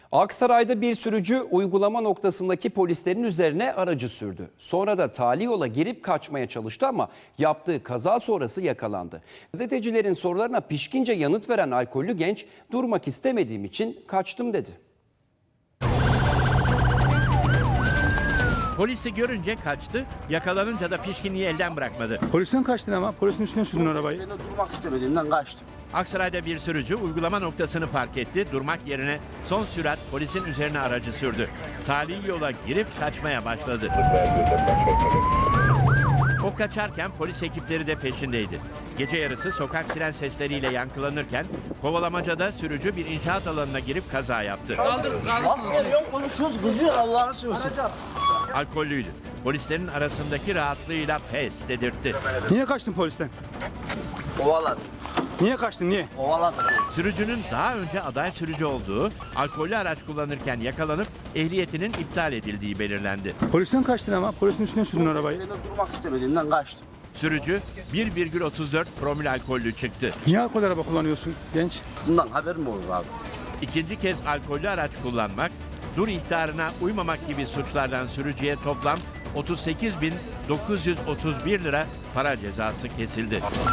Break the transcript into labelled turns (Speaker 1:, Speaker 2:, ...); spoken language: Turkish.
Speaker 1: Aksaray'da bir sürücü uygulama noktasındaki polislerin üzerine aracı sürdü. Sonra da tali yola girip kaçmaya çalıştı ama yaptığı kaza sonrası yakalandı. Gazetecilerin sorularına pişkince yanıt veren alkollü genç, durmak istemediğim için kaçtım dedi.
Speaker 2: Polisi görünce kaçtı, yakalanınca da pişkinliği elden bırakmadı.
Speaker 3: Polisten kaçtın ama polisin üstüne sürdün arabayı.
Speaker 4: Ben de durmak istemediğimden kaçtım.
Speaker 2: Aksaray'da bir sürücü uygulama noktasını fark etti, durmak yerine son sürat polisin üzerine aracı sürdü. Tali yola girip kaçmaya başladı. O kaçarken polis ekipleri de peşindeydi. Gece yarısı sokak siren sesleriyle yankılanırken kovalamacada sürücü bir inşaat alanına girip kaza yaptı.
Speaker 4: Bak geliyorum konuşuyoruz kızıyor Allah'ını seversen.
Speaker 2: Alkollüydü. Polislerin arasındaki rahatlığıyla pes dedirtti.
Speaker 3: Niye kaçtın polisten?
Speaker 4: Kovaladım.
Speaker 3: Niye kaçtın niye?
Speaker 4: Kovaladım.
Speaker 2: Sürücünün daha önce aday sürücü olduğu, alkollü araç kullanırken yakalanıp ehliyetinin iptal edildiği belirlendi.
Speaker 3: Polisten kaçtın ama polisin üstüne sürdün arabayı.
Speaker 4: Ben de durmak istemediğimden kaçtım.
Speaker 2: Sürücü 1,34 promil alkollü çıktı.
Speaker 3: Niye alkol araba kullanıyorsun genç?
Speaker 4: Bundan haberim olur abi.
Speaker 2: İkinci kez alkollü araç kullanmak, dur ihtarına uymamak gibi suçlardan sürücüye toplam 38.931 lira para cezası kesildi.